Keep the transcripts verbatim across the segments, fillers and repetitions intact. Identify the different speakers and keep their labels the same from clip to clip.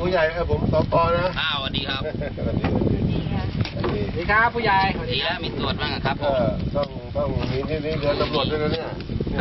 Speaker 1: ผู้ใหญ่ครับผมสปนะ
Speaker 2: อ้าวสวัสดีครับ
Speaker 1: สวัสดีสวัสดีสวัสดี
Speaker 3: ครับผู้ใหญ่
Speaker 2: ดีแล้วมีตรวจบ้างครับ
Speaker 1: ก็ต้องต้องมีนี่นี่เดือนตำรวจด้วยนะเนี่ย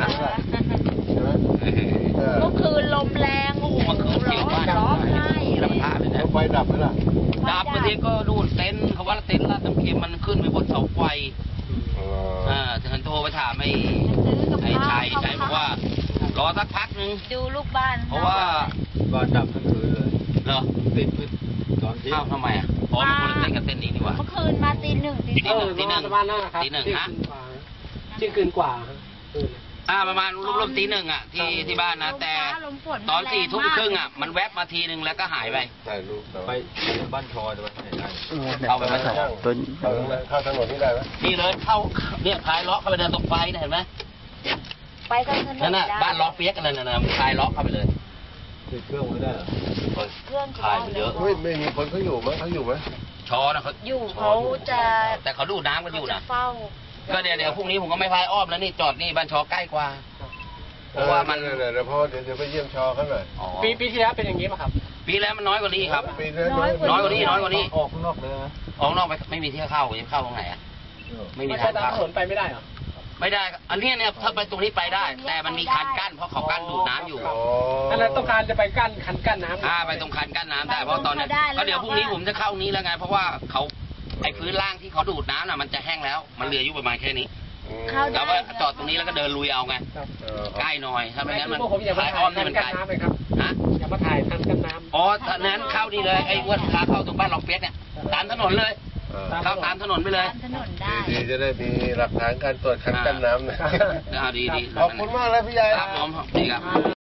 Speaker 4: เมื่อคืนลมแรงโอ้โหร้อนร้อนไห้
Speaker 2: ลำพาเลยนะ
Speaker 1: ไฟดับไหมล่ะ
Speaker 2: ดับบางทีก็ดูเต็นท์เขาว่าเต็นท์ลาดน้ำเค็มมันขึ้นไปบนเสาไฟอ่าฉันโทรไปถามไอ้ไอ้ชัยชัยบอกว่ารอสักพักนึง
Speaker 4: ดูลูกบ้าน
Speaker 2: เพราะว่า
Speaker 1: บ้านดับทั้งคืนเลย
Speaker 2: เหรอ
Speaker 1: ติดตอนที่
Speaker 2: อ้าวทำไมอ่ะอ๋อมันคนละเต้นกับเต้นนี้นี่หว่า
Speaker 4: เมื่อคืนมาตีหนึ่งตี
Speaker 3: หนึ่งตีหนึ่งประมาณนั้นครับ
Speaker 2: ตีหนึ่งฮะ
Speaker 3: เที่ยงคืนกว่า
Speaker 2: อ่าประมาณรวมๆตีหนึ่งอ่ะที่ที่บ้านนะแต่ตอนสี่ทุ่มครึ่งอ่ะมันแวบมาทีหนึ่งแล้วก็หายไป
Speaker 1: ถ่ายรูปไปบ้านทอยไปไหนได้
Speaker 2: เข้าไปบ้านทอย
Speaker 1: เข้าถนนนี่ได้ไหม
Speaker 2: นี่เลยเข้าเนี่ยพายเลาะเข้าไปเดินตรงไฟเห็นไหม
Speaker 4: ไปกันถนน
Speaker 2: นั่นน่ะบ้านล็อกเปียกกันเลยนะพายเลาะเข้าไปเลย
Speaker 1: ติดเครื่องไม่ได้เหรอ
Speaker 4: เครื่อง
Speaker 2: พายเยอะ
Speaker 1: ไม่ไม่มีคนเขาอยู่มั้ยเขาอยู่ไหม
Speaker 2: ชอนะเขา
Speaker 4: อยู่เขาจะ
Speaker 2: แต่เขาดูน้ำกันอยู่นะ
Speaker 4: เฝ้า
Speaker 2: ก็เดี๋ยวเดี๋ยวพรุ่งนี้ผมก็ไม่พายอ้อมแล้วนี่จอดนี่บ้านชอใกล้กว่าเพราะว่ามัน
Speaker 1: เดี๋ยวเพราะเดี๋ยวจะไปเยี่ยมชอเขาหน่อย
Speaker 3: ปีปีที่แล้วเป็นอย่างนี้ป่ะครับ
Speaker 2: ปีแล้วมันน้อยกว่านี้ครับ
Speaker 4: น้อย
Speaker 2: กว่านี้น้อยกว่านี้
Speaker 1: ออกข้างนอกเลยนะ
Speaker 2: ออกนอกไปไม่มีที่เข้าจะเข้าตรงไหนอ่ะไม่มีทางเข้า
Speaker 3: ถนนไปไม่ได้เหรอ
Speaker 2: ไม่ได้อันนี้เนี่ยถ้าไปตรงนี้ไปได้แต่มันมีคันกั้นเพราะเขากั้นดูดน้ำอยู่
Speaker 3: นั่นแหละต้องการจะไปกั้นคันกั้นน้ำ
Speaker 2: อ่าไปตรงคันกั้นน้ำได้เพราะตอนนี้ก็เดี๋ยวพรุ่งนี้ผมจะเข้านี้แล้วไงเพราะว่าเขาไอ้พื้นล่างที่เขาดูดน้ำน่ะมันจะแห้งแล้วมันเหลืออยู่ประมาณแค่นี้เราก็จอดตรงนี้แล้วก็เดินลุยเอาไงใกล้หน่อยถ้าไม่งั้นมัน
Speaker 3: ถ่ายอ้อมนี่มันไกลฮะอย่ามาถ่ายทันกันน้ำ
Speaker 2: อ๋อท่านั้นเข้าดีเลยไอ้วัดขาเข้าตรงบ้านล็อกเปียกเนี่ยตามถนนเลยเข้าตามถนนไปเลย
Speaker 1: ดีจะได้มีหลักฐานการตรวจคันกั้นน้ำนะ
Speaker 2: ดีดี
Speaker 1: ขอบคุณมากเลยพี่ใหญ่
Speaker 2: ครับผมดีครับ